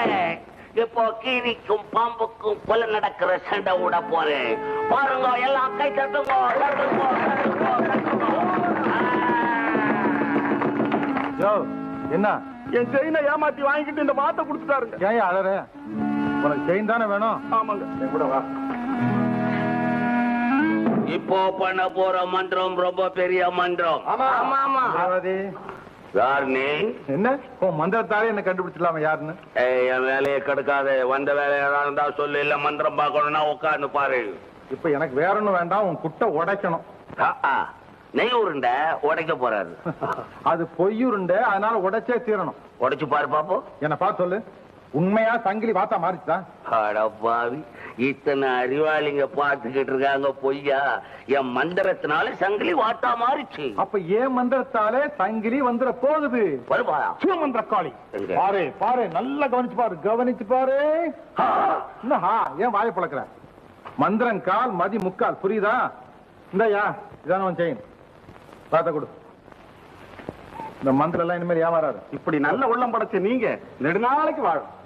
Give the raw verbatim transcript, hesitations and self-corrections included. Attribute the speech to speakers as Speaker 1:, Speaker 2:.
Speaker 1: இப்போ கீரிக்கும் பாம்புக்கும் கொலை நடக்கிற சண்டை விட போறேன். பாருங்க, எல்லாம் கை தட்டுங்க, தட்டுங்க, தட்டுங்க.
Speaker 2: என்ன
Speaker 3: என் செயினை ஏமாத்தி வாங்கிட்டு இந்த மாத்த கொடுத்துட்டாருங்க.
Speaker 2: ஏன் அழற? உனக்கு செயின் தானே வேணும்?
Speaker 3: ஆமாங்க. என் கூட வா.
Speaker 1: இப்போ பண்ண போற மந்திரம் ரொம்ப பெரிய மந்திரம்.
Speaker 3: ஆமா ஆமா.
Speaker 1: யார் நீ?
Speaker 2: என்ன மந்திரத்தாலே என்ன கண்டுபிடிச்சிடலாமா யாருன்னு?
Speaker 1: என் வேலையை கெடுக்காத. வந்த வேலையா இருந்தா சொல்லு, இல்ல மந்திரம் பார்க்கணும்னா உட்கார்ந்து பாரு.
Speaker 2: இப்ப எனக்கு வேற ஒண்ணும் வேண்டாம், உன் குட்டை உடைக்கணும்.
Speaker 1: நெய் உருண்ட உடைக்க போறாரு.
Speaker 2: அது பொய்யுருண்ட, அதனால உடைச்சே தீரணும்.
Speaker 1: உடைச்சு பாரு பாப்போம்.
Speaker 2: என்ன பார்த்து சொல்லு, உண்மையா சங்கிலி வாத்தா மாறிச்சுதா?
Speaker 1: அடப்பாவி, இத்தனை அறிவாளிங்க பார்த்துக்கிட்டு இருக்காங்க, பொய்யா? என் மந்திரத்தினால சங்கிலி வாத்தா மாறிச்சு.
Speaker 2: அப்ப ஏன் மந்திரத்தாலே சங்கிலி வந்துட போகுது.
Speaker 3: சிவமந்திர காளி,
Speaker 2: பாரு பாரு, நல்லா கவனிச்சு பாரு, கவனிச்சு பாரு. ஏன் வாயை பழக்கிற? மந்திரம் கால், மதி முக்கால், புரியுதா? இந்தயா இதான உன் செயின், பார்த்த கொடு. இந்த மந்திரம் எல்லாம் இனிமேல் ஏமாறாரு.
Speaker 3: இப்படி நல்ல உள்ளம் படைச்ச நீங்க நெடுநாளைக்கு வாழும்.